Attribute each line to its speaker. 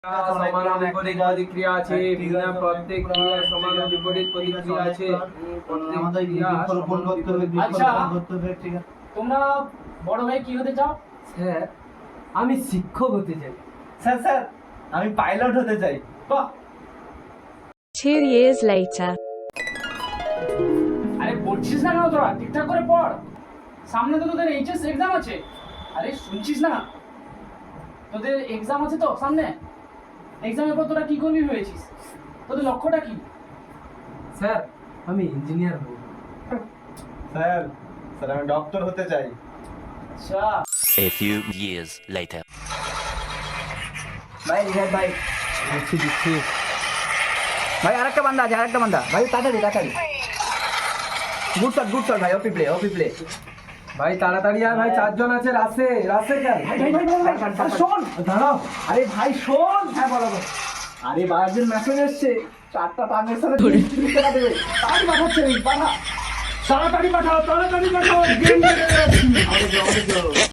Speaker 1: সমান বিপরীত প্রতিক্রিয়া আছে, বিভিন্ন প্রত্যেক ক্রিয়ার সমান বিপরীত প্রতিক্রিয়া আছে।
Speaker 2: আমাদের বৃক্ষরোপণ করতে হবে, বৃক্ষরোপণ করতে হবে, ঠিক আছে।
Speaker 3: তোমরা বড় ভাই কি হতে চাও?
Speaker 1: স্যার, আমি শিক্ষক হতে চাই।
Speaker 2: স্যার স্যার, আমি পাইলট হতে চাই।
Speaker 3: বাহ!
Speaker 4: 2 years later.
Speaker 3: আরে বলছিস না কেন তোরা? ঠিকঠাক করে পড়। সামনে তো তোদের এইচএস এক্সাম আছে। আরে শুনছিস না? তোদের এক্সাম আছে তো সামনে। এক্সামের পর তোরা কি করবি ভেবেছিস? তোদের লক্ষ্যটা কি?
Speaker 1: স্যার, আমি ইঞ্জিনিয়ার হব।
Speaker 2: স্যার স্যার, আমি ডক্টর হতে চাই।
Speaker 3: আচ্ছা,
Speaker 5: A few years later.
Speaker 6: ভাই রিহাদ ভাই
Speaker 1: দিচ্ছি।
Speaker 6: ভাই আরেকটা বান্দা আছে, আরেকটা বান্দা ভাই, তাড়াতাড়ি তাড়াতাড়ি। গুড শট ভাই, ওপি প্লে।
Speaker 1: ভাই তাড়াতাড়ি আয় ভাই, 4 জন আছে রাসে কেন?
Speaker 6: ভাই শোন,
Speaker 1: দাঁড়াও।
Speaker 6: আরে ভাই শোন। হ্যাঁ বলো। আরে বায়ারদের মেসেজ এসছে, 4টা টাঙ্গের সাথে 30 টাকা দেবে। তাড়াতাড়ি পাঠাচ্ছে, পাঠা।
Speaker 3: তাড়াতাড়ি পাঠাও।